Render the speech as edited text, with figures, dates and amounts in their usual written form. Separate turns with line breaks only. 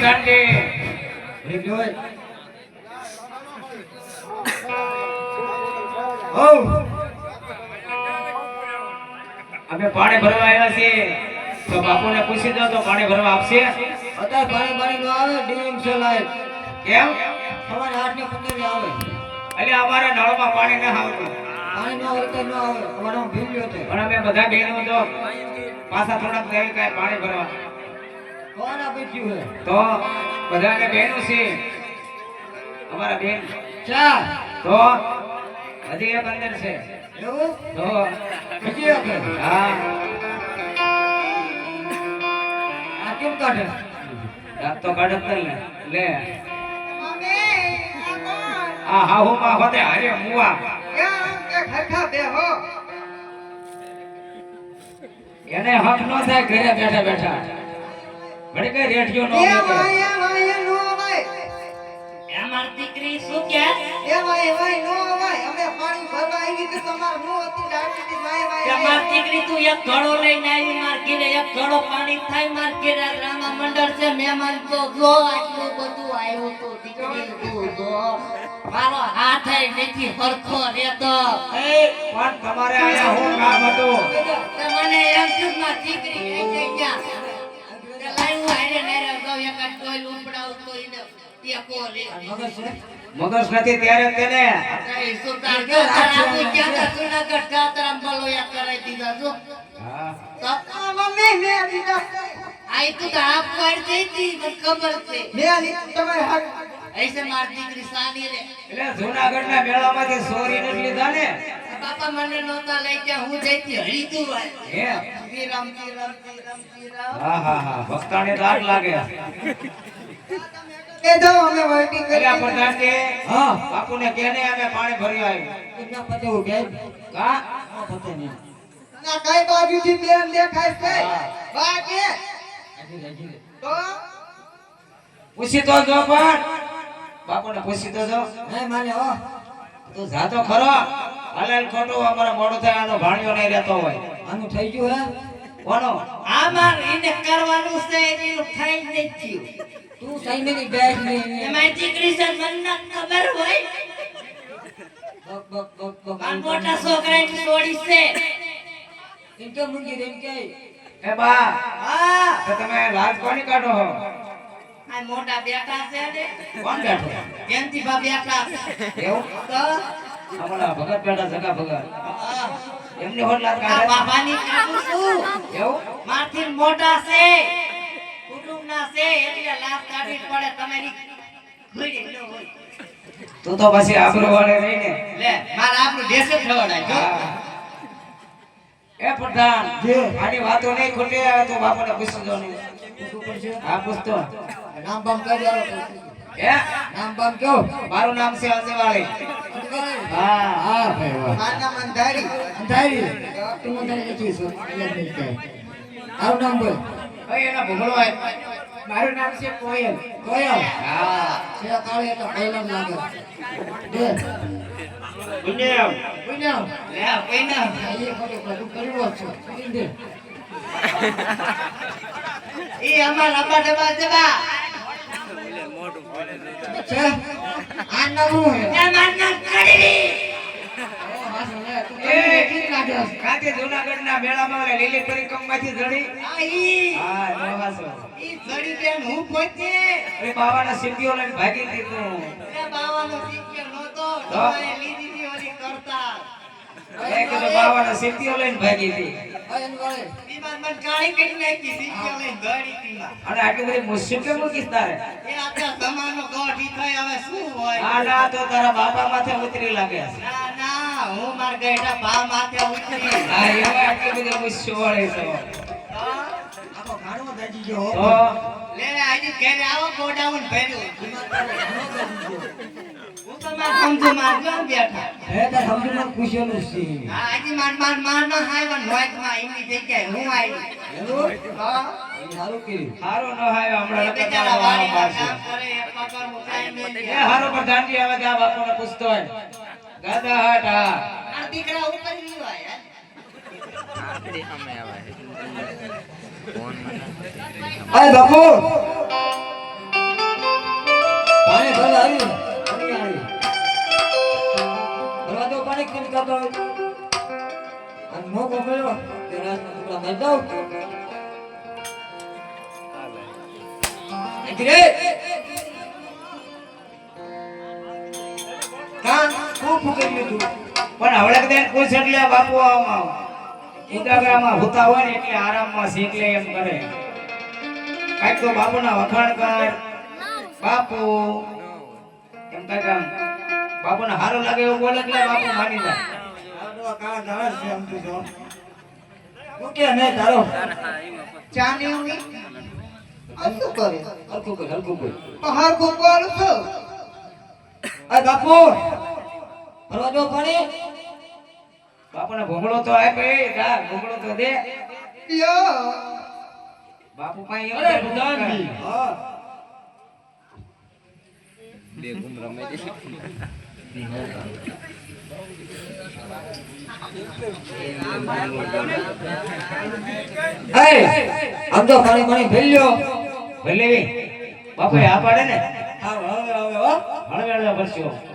પ્રધાનજી અમે પાણી ભરવા આવ્યા છીએ તો બાપુને પૂછી દો તો પાણી ભરવા આપશે
અત્યારે પાણી નો આવે ડીમ છે લાઈટ
કેમ
સવારે 8 ને 15 આવે
એટલે અમારે નળમાં પાણી ન આવતું
પાણી નો આવે તો ન આવે અમારો ભીલ્યો છે
પણ અમે બધા બહેનો તો પાછા થોડાક થઈ કાય પાણી ભરવા
કોણ આપી છે
તો બધાને બહેનો છે અમારા બેન
ચાર
તો હજી એક અંદર છે
એવું
તો
બીજી એક
હા
આ કેમ કાઢે
રાત તો કાઢત ને લે આ હાહુ માં હોતે હારે મુવા એને હક નો થાય ઘરે બેઠા બેઠા ઘડી કઈ રેડિયો નો
અમાર દીકરી શું કે અમાર દીકરી તું એક ઘડો લઈને આવી માર ઘરે એક ઘડો પાણી થાય માર ઘરે રામા મંડળ છે મહેમાન તો જો આટલું બધું આવ્યું તો દીકરી તું જો મારો હાથ નથી હરખો રહેતો
પણ તમારે આયા હું કામ હતું
મને એમ થયું માર દીકરી કઈ ગયા તે લાઈવ આરે નેરે ગયો એક ટોલ ઉપડાવ તો એને ટેકો લે
મગજ નથી ત્યારે તેને
કઈ સુતાર કે આપુ ક્યાં તા સુનાગઢ કાતરામ બલો યા કરાઈ દીધા જો
હા
તો મમ્મી મે દીધા આઈ તું તો આપ પર દેતી મને ખબર છે ऐसे मार દીકરી સાની રે
એટલે જૂનાગઢના મેળામાંથી સોરી નથી લીધા ને
બાપા મને નોતા લઈ ગયા હું જઈતી હરીતું ભાઈ
હે
શ્રીરામ
હા હા હા ભક્તાને દાગ લાગે
એ દો અમે વર્ટિંગ કરી
એટલે પ્રધાનજી
હા
બાપુને કહેને અમે પાણી ભરી આવ્યું
કેટલા પતે હું કે
હા
પતે નહીં
ના કઈ બાજુથી બેન દેખાય છે બા કે તો
પૂછી તો જો પણ બાપુને પૂછી તો જો
નહીં માને હો
તું જાતો ખરો હાલેલ ખોટું અમારે મોડું થાય આનો ભાણિયો નહીં રહેતો હોય
આનું થઈ ગયું હે
કોનો
આમાં એને કરવાનું છે એનું થઈ જ થયું
તું સહી નહીં બેઠ નહીં
એમાં દીકરી છે મને ખબર હોય
બક બક બક બક
આ મોટા છોકરાની છોડી છે
ઇનકે મુંગી રેન કે
એ બા
હા
તો તમે લાજ કોની કાઢો હો
આ મોટા બેટા છે ને
કોણ બેઠો
જયંતી બા બેટા
એવું
તો
અમારા ભગત બેઠા જગા ભગત
હા
એમની હોટ લાજ
આ
કાઢે
બાબાની કાઢું છું
એવું
માથી મોટા છે કુટુંબના છે એટલે લાભ કાઢવી પડે તમારી ઘોડી ન હોય
તું તો પછી આબરૂ વાળે રહીને
લે માર આપણું દેશ જ ખવડાય જો
એ પ્રધાન
જે
આની વાતો નહીં ખોટી આવે તો બાપુને પૂછજો નહીં હા પૂછતો
નામ બામ કરી આલો
હે
નામ બામ કયો
મારું નામ છે અજવાળી હા
હા ભાઈ વાહ
માના મંધારી
અંધારી તું મને નથી સો યાદ નહીં કે આવ નામ બોલ
ભાઈ એના ભૂગળો હોય મારું નામ છે કોયલ
કોયલ
હા
છે કાળે એટલે પહેલા લાગે દે
પુણ્યમ
કોઈના
લે કોઈના
એ ફોટો બધું કર્યો છે દે
એ અમાર અબા ડબા જબા
છે આ નામ હે
એ માર નામ કડી
કાતે જૂનાગઢના મેળામાં ઓલા લીલી પરિક્રમામાંથી જડી
આઈ
હા નવાસો
ઈ ઘડી બેન હું પોતે
એ બાવાના સિદ્ધિઓ લઈને ભાગી દીધું
એ બાવાનો શીખ્યો નતો
તો?
તમારે લીધી હતી ઓલી કરતા
એ કીધું બાવાના સિદ્ધિઓ લઈને ભાગી હતી
અયન વાળે
બીમાર મન કાળી કરી નાખી શીખ્યો લઈને ઘડી તીમાં
અને આટલી બધી મુશ્કેલ મૂકીશ તારે
એ આખા જમાનો ગોઠી થઈ હવે શું હોય
આ ના તો તારા બાપા માથે ઉતરી લાગે
ના ના હું માર ગઈડા ભા માથે ઉતરી
હા એવા આટલી બધી મુશ્કેલ વાળી છે
આખો ઘાણો દાજી ગયો
તો
લે આજે ઘરે આવો ગોડાઉન ભર્યું હું તો માર સમજો માર ગામ બેઠા
હે તાર સમજમાં પૂછેલું છે
હા આજે માર ના હાઈવા નોઈક માં એની જગ્યાએ હું આવી
હેલો
હા
સારું કર્યું
હારું ન હાય હમણાં
એ
નકર
બેચારા
તારા
વાડીમાં
પાડશે.
કામ કરે એક પગાર હું કાંઈ નહીં
એ
દે.
હારો પ્રધાનજી આવે ત્યાં બાપુને પૂછતો હોય ગાદા હાટ હા
આ દીકરા ઉપર નહીં હોય
અય બાપુ
તો અને મોકો મળ્યો કે રાજના ટુકડા મારી દઉં રે કાન ખૂબ ફૂકી લીધું
પણ હવળે કદાચ પૂછ એટલે બાપુ આમાં ઉદાગરામાં હોતા હોય ને એટલે આરામમાં શીખ લે એમ કરે કાંઈક તો બાપુના વખાણ કર બાપુ એમ કાંઈક આમ બાપુને સારું લાગે એવું બોલે એટલે બાપુ માની જાય
આડો કાળા ધાર છે આમ તું જો ફૂકે ને તારો
ચાની ઉની આ શું કરે
હલકું કર
પહાડ ગોપાલ છો
આ બાપુ ફરવા જો પાણી
બાપુને ભોગળો તો આપે જા ભોગળો તો દે
યો
બાપુ પાસે એમ
અરે
કે
ભગવાનજી હા આમ તો પાણી ભેલ્યો
ભલે બાપુ આ પાડે ને
હવે હળવે
હળવે હળવે ભરશો